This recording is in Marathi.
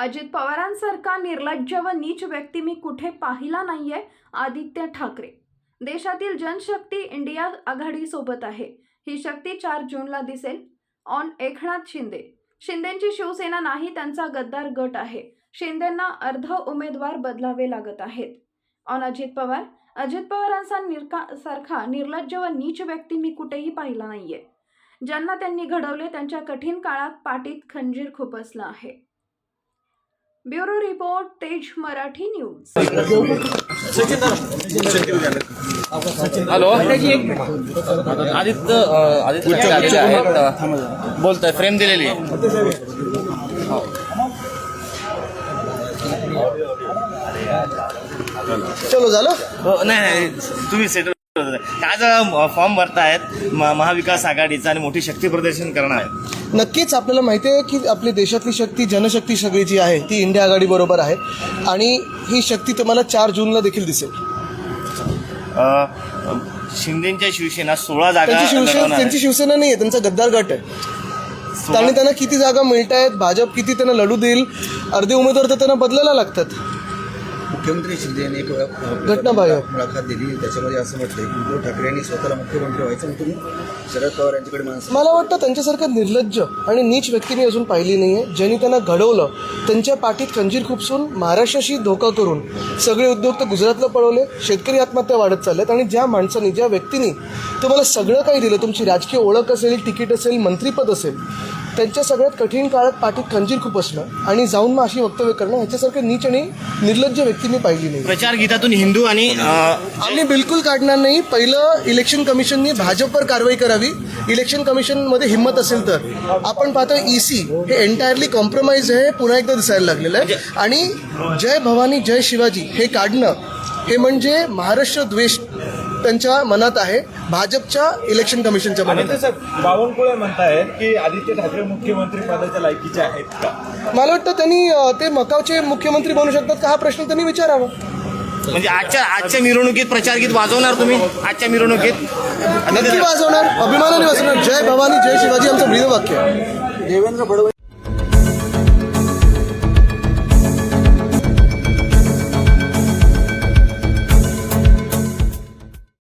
अजित पवारांसारखा निर्लज्ज व नीच व्यक्ती मी कुठे पाहिला नाहीये. आदित्य ठाकरे. देशातील जनशक्ती इंडिया आघाडीसोबत आहे. ही शक्ती 4 जूनला दिसेल. ऑन एकनाथ शिंदे. शिंदेची शिवसेना नाही, त्यांचा गद्दार गट आहे. शिंदेंना अर्ध उमेदवार बदलावे लागत आहेत. ऑन अजित पवार. अजित पवारांसारखा निर्लज्ज व नीच व्यक्ती मी कुठेही पाहिला नाहीये. ज्यांना त्यांनी घडवले त्यांच्या कठीण काळात पाठीत खंजीर खुपसलं आहे. Bureau report, Tej Marathi news. Hello, Aaditya Thackeray आहेत, बोलतोय. फ्रेम दिलेली आहे. चलो झालं. नाही तुम्ही सेटल. आज फॉर्म भरतायत महाविकास आघाडीचा आणि मोठी शक्ती प्रदर्शन करणार आहे. नक्कीच आपल्याला माहिती आहे की आपली देशातली शक्ती, जनशक्ती सगळी जी आहे ती इंडिया आघाडी बरोबर आहे आणि ही शक्ती तुम्हाला 4 जूनला देखील दिसेल. शिंदेच्या शिवसेना 16 जागा. त्यांची शिवसेना नाही आहे, त्यांचा गद्दार गट आहे. आणि त्यांना किती जागा मिळत आहेत, भाजप किती त्यांना लढू देईल, अर्धे उमेदवार तर त्यांना बदलायला लागतात. मुख्यमंत्री शिंदे यांनी एक घटनाबाह्य मुलाखत दिली, त्याच्यामध्ये असं म्हटलंय की उद्धव ठाकरे यांनी स्वतःला मुख्यमंत्री व्हायचं आणि तुम्ही शरद पवार यांच्याकडे माणसं. मला वाटतं त्यांच्यासारखं निर्लज्ज आणि नीच व्यक्ती मी अजून पाहिली नाही आहे. ज्यांनी त्यांना घडवलं, त्यांच्या पाठीत खंजीर खुपसून महाराष्ट्राशी धोका करून सगळे उद्योग तर गुजरातला पळवले, शेतकरी आत्महत्या वाढत चालल्यात. आणि ज्या माणसांनी, ज्या व्यक्तींनी तुम्हाला सगळं काही दिलं, तुमची राजकीय ओळख असेल, तिकीट असेल, मंत्रीपद असेल, त्यांच्या सगळ्यात कठीण काळात पाठीत खंजीर खुपसणं आणि जाऊन मग अशी वक्तव्य करणं, ह्याच्यासारखं नीच आणि निर्लज्ज व्यक्ती मी पाहिली नाही. प्रचार गीतातून हिंदू आणि आम्ही बिलकुल काढणार नाही. पहिलं इलेक्शन कमिशननी भाजपवर कारवाई करावी. इलेक्शन कमिशनमध्ये हिंमत असेल तर. आपण पाहतो EC हे एंटायरली कॉम्प्रोमाइज आहे, पुन्हा एकदा दिसायला लागलेलं आहे. आणि जय भवानी जय शिवाजी हे काढणं हे म्हणजे महाराष्ट्र द्वेष त्यांच्या मनात आहे, भाजपच्या इलेक्शन कमिशनच्या मनात आहे. बावनकुळे म्हणतायत की आदित्य ठाकरे मुख्यमंत्री पदाच्या लायकीचे आहेत का? मला वाटतं त्यांनी ते मकावचे मुख्यमंत्री बनू शकतात का, हा प्रश्न त्यांनी विचारावा. म्हणजे आजच्या मिरवणुकीत प्रचार गीत वाजवणार तुम्ही? आजच्या मिरवणुकीत नक्की वाजवणार, अभिमानाने वाजवणार. जय भवानी जय शिवाजी आमचं ब्रीदवाक्य आहे. देवेंद्र फडणवीस